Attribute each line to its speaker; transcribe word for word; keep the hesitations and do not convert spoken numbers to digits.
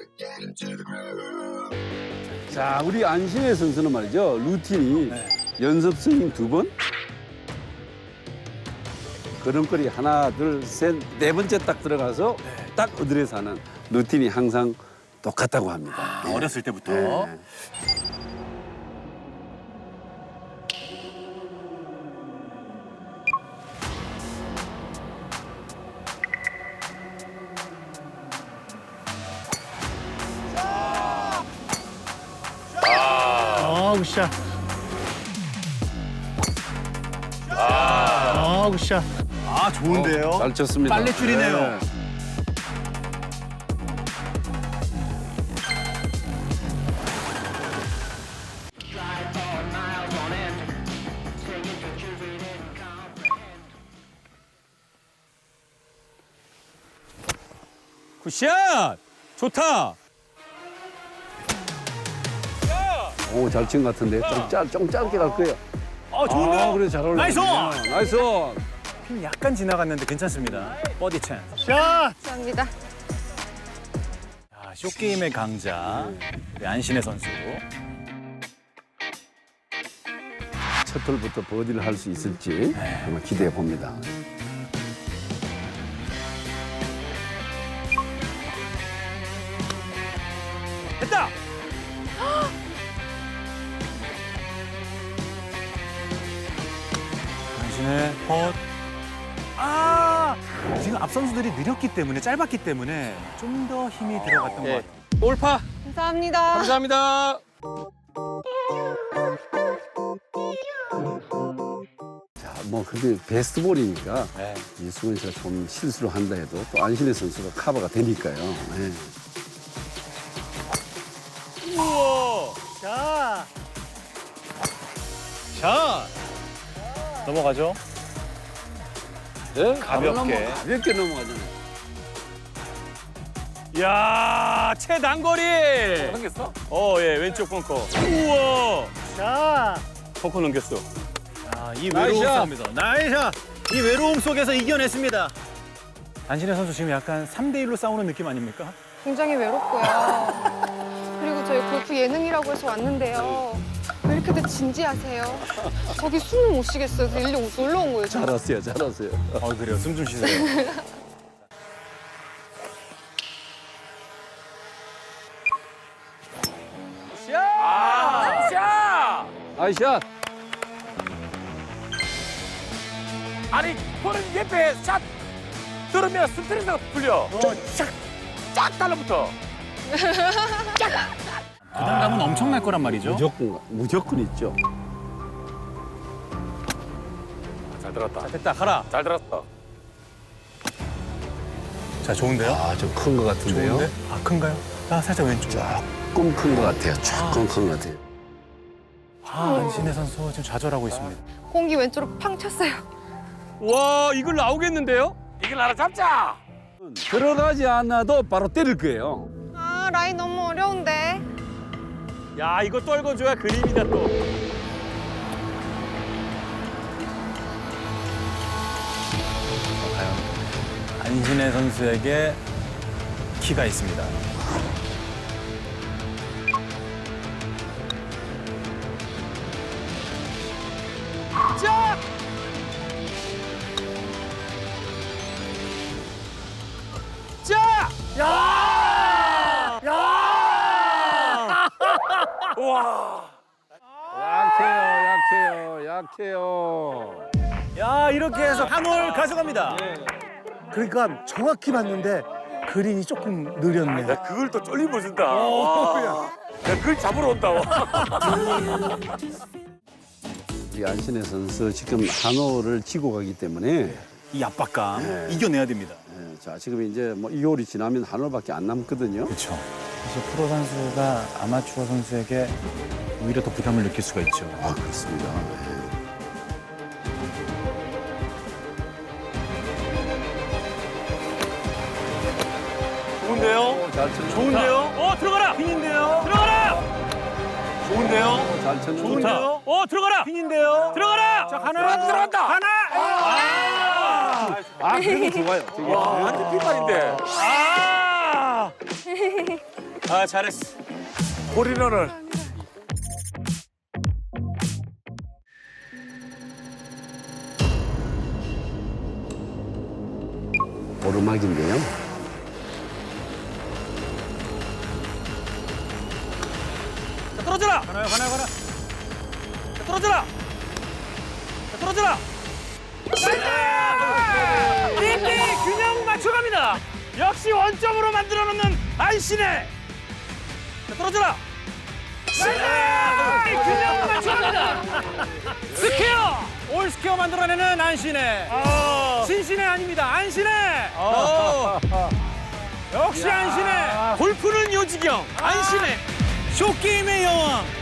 Speaker 1: 자, 우리 안신혜 선수는 말이죠. 루틴이
Speaker 2: 네.
Speaker 1: 연습 스윙 두 번, 걸음걸이 하나, 둘, 셋, 네 번째 딱 들어가서
Speaker 2: 네.
Speaker 1: 딱 어드레스 하는 루틴이 항상 똑같다고 합니다.
Speaker 2: 아,
Speaker 1: 네.
Speaker 2: 어렸을 때부터.
Speaker 1: 네.
Speaker 3: 아, 굿샷. 아, 굿샷.
Speaker 2: 아, 좋은데요?
Speaker 1: 어, 잘 쳤습니다.
Speaker 2: 빨래줄이네요.
Speaker 1: 네.
Speaker 2: 굿샷! 좋다!
Speaker 1: 오, 잘 친 것 같은데. 좀, 짧, 좀 짧게 갈 거예요.
Speaker 2: 어, 좋은데요?
Speaker 1: 아, 그래, 잘 올라.
Speaker 2: 나이스!
Speaker 1: 나이스!
Speaker 2: 핀 약간 지나갔는데 괜찮습니다. 버디 찬스.
Speaker 3: 샷!
Speaker 4: 감사합니다.
Speaker 2: 자, 쇼게임의 강자, 우리 안신혜 선수.
Speaker 1: 첫 홀부터 버디를 할 수 있을지 정말 기대해 봅니다.
Speaker 2: 됐다! 안신혜 헛. 아! 지금 앞 선수들이 느렸기 때문에, 짧았기 때문에 좀 더 힘이 들어갔던 것 같아요. 올파!
Speaker 4: 감사합니다.
Speaker 2: 감사합니다.
Speaker 1: 자, 뭐 근데 베스트 볼이니까
Speaker 2: 네.
Speaker 1: 이수근 씨가 좀 실수를 한다 해도 또 안신혜 선수가 커버가 되니까요. 네.
Speaker 2: 우와!
Speaker 3: 샷!
Speaker 2: 샷! 넘어가죠?
Speaker 1: 네?
Speaker 2: 가볍게.
Speaker 1: 넘어, 가볍게 넘어가잖아요.
Speaker 2: 이야, 최단거리! 넘겼어? 어, 예, 왼쪽 벙커. 우와!
Speaker 3: 샷!
Speaker 2: 벙커 넘겼어. 아, 이
Speaker 3: 나이스
Speaker 2: 외로움
Speaker 3: 샷.
Speaker 2: 속입니다. 나이스 샷! 이 외로움 속에서 이겨냈습니다. 안신혜 선수 지금 약간 삼 대 일로 싸우는 느낌 아닙니까?
Speaker 4: 굉장히 외롭고요. 그리고 저희 골프 예능이라고 해서 왔는데요. 왜 이렇게들 진지하세요? 저기 숨을 못 쉬겠어요. 그래서 일로 놀러 온 거예요.
Speaker 1: 잘 왔어요, 잘 왔어요.
Speaker 2: 어, 그래요. 숨 좀 쉬세요.
Speaker 1: 아이샷!
Speaker 5: 아니 볼은 옆에 샷 들으면 스트레스가 풀려. 쫙쫙 달라붙어.
Speaker 2: 부담감은 엄청날 거란 말이죠.
Speaker 1: 무조건, 무조건 있죠.
Speaker 5: 잘 들었다.
Speaker 2: 자, 됐다. 가라.
Speaker 5: 잘 들었어.
Speaker 2: 자, 좋은데요?
Speaker 1: 아, 좀 큰 것 같은데요?
Speaker 2: 좋은데? 아, 큰가요? 아, 살짝 왼쪽.
Speaker 1: 조금 큰 것 같아요. 조금 큰 것 같아요.
Speaker 2: 아, 안신혜 선수 지금 좌절하고 있습니다.
Speaker 4: 공기 왼쪽으로 팡 쳤어요.
Speaker 2: 와, 이걸 나오겠는데요?
Speaker 5: 이걸 하나 잡자.
Speaker 1: 들어가지 않아도 바로 때릴 거예요.
Speaker 4: 아, 라인 너무 어려운데.
Speaker 2: 야, 이거 떨궈줘야 그림이다 또. 과연 안신혜 선수에게 키가 있습니다. 자! 자! 야! 야!
Speaker 5: 와.
Speaker 1: 약해요, 약해요, 약해요.
Speaker 2: 야, 이렇게 해서 한 홀 가져갑니다.
Speaker 3: 그러니까 정확히 봤는데 그린이 조금 느렸네.
Speaker 5: 야 그걸 또 쫄림을 준다. 와. 야 그걸 잡으러 온다. 와.
Speaker 1: 우리 안신혜 선수 지금 한 홀을 치고 가기 때문에
Speaker 2: 이 압박감
Speaker 1: 네.
Speaker 2: 이겨내야 됩니다.
Speaker 1: 예, 자 지금 이제 뭐 이 홀이 지나면 한 홀밖에 안 남거든요.
Speaker 2: 그렇죠. 사실 프로 선수가 아마추어 선수에게 오히려 더 부담을 느낄 수가 있죠.
Speaker 1: 아 그렇습니다. 예.
Speaker 5: 좋은데요?
Speaker 1: 잘 쳤는데.
Speaker 2: 좋은데요? 어, 들어가라! 핀인데요? 들어가라! 좋은데요?
Speaker 1: 잘 쳤는데.
Speaker 2: 좋은데요? 어, 들어가라! 핀인데요? 들어가라! 자, 하나!
Speaker 5: 들어간다.
Speaker 2: 하나! 아!
Speaker 1: 아 그래도 좋아요. 되게.
Speaker 5: 와 완전 핀말인데.
Speaker 2: 아!
Speaker 5: 아, 잘했어. 홀인원을.
Speaker 1: 오르막인데요.
Speaker 5: 자, 떨어져라.
Speaker 2: 가나요, 가나요, 가나.
Speaker 5: 자, 떨어져라. 자, 떨어져라. 일 대 균형 맞춰갑니다. 역시 원점으로 만들어 놓는 안신혜. 자, 떨어져라. 일 대 균형 맞춰갑니다. 스퀘어. 올 스퀘어 만들어내는 안신혜. 신신혜 아닙니다. 안신혜. 역시 안신혜. 골프는 요지경. 안신혜. 쇼게임의 여왕.